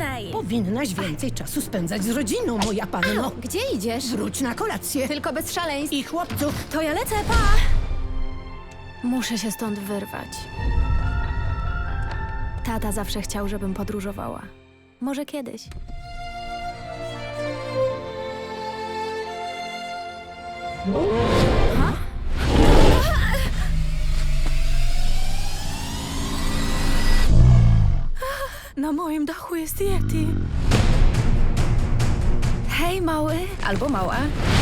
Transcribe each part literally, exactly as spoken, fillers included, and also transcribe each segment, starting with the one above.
później. Powinnaś więcej czasu spędzać z rodziną, moja panno. Gdzie idziesz? Wróć na kolację. Tylko bez szaleństw. I chłopców. To ja lecę, pa! Muszę się stąd wyrwać. Tata zawsze chciał, żebym podróżowała. Może kiedyś. Ha? Na moim dachu jest Yeti. Hej, mały. Albo mała.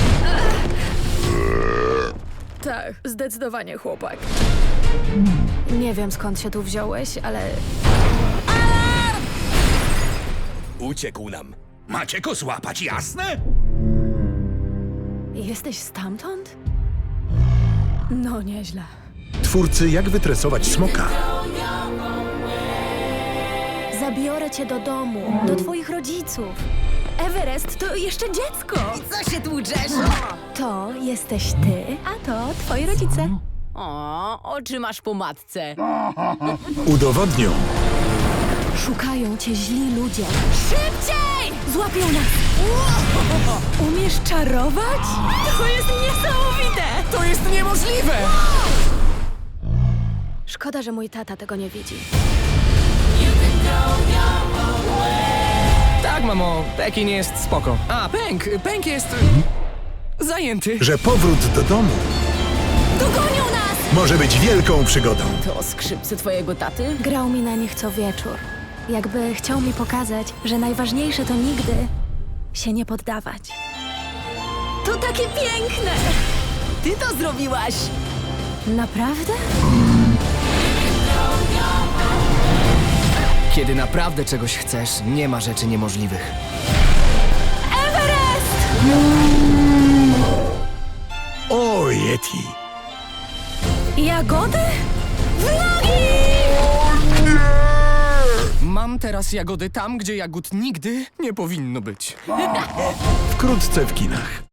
Tak, zdecydowanie chłopak. Nie wiem, skąd się tu wziąłeś, ale... Uciekł nam. Macie go złapać, jasne? Jesteś stamtąd? No, nieźle. Twórcy Jak wytresować smoka. Zabiorę cię do domu, do twoich rodziców. Everest to jeszcze dziecko. Co się tłuczesz? To jesteś ty, a to twoi rodzice. O, oczy masz po matce. Udowodnią, Szukają cię źli ludzie. Szybciej! Złapią nas! Umiesz czarować? To jest niesamowite! To jest niemożliwe! Szkoda, że mój tata tego nie widzi. Tak, mamo, Pekin jest spoko. A, Pęk, Pęk jest... zajęty. że powrót do domu Dogonią nas! może być wielką przygodą. To skrzypce twojego taty? Grał mi na nich co wieczór. Jakby chciał mi pokazać, że najważniejsze to nigdy się nie poddawać. To takie piękne! Ty to zrobiłaś! Naprawdę? Kiedy naprawdę czegoś chcesz, nie ma rzeczy niemożliwych. O, Yeti! Jagody? Vlogi! Mam teraz jagody tam, gdzie jagód nigdy nie powinno być. Wkrótce w kinach.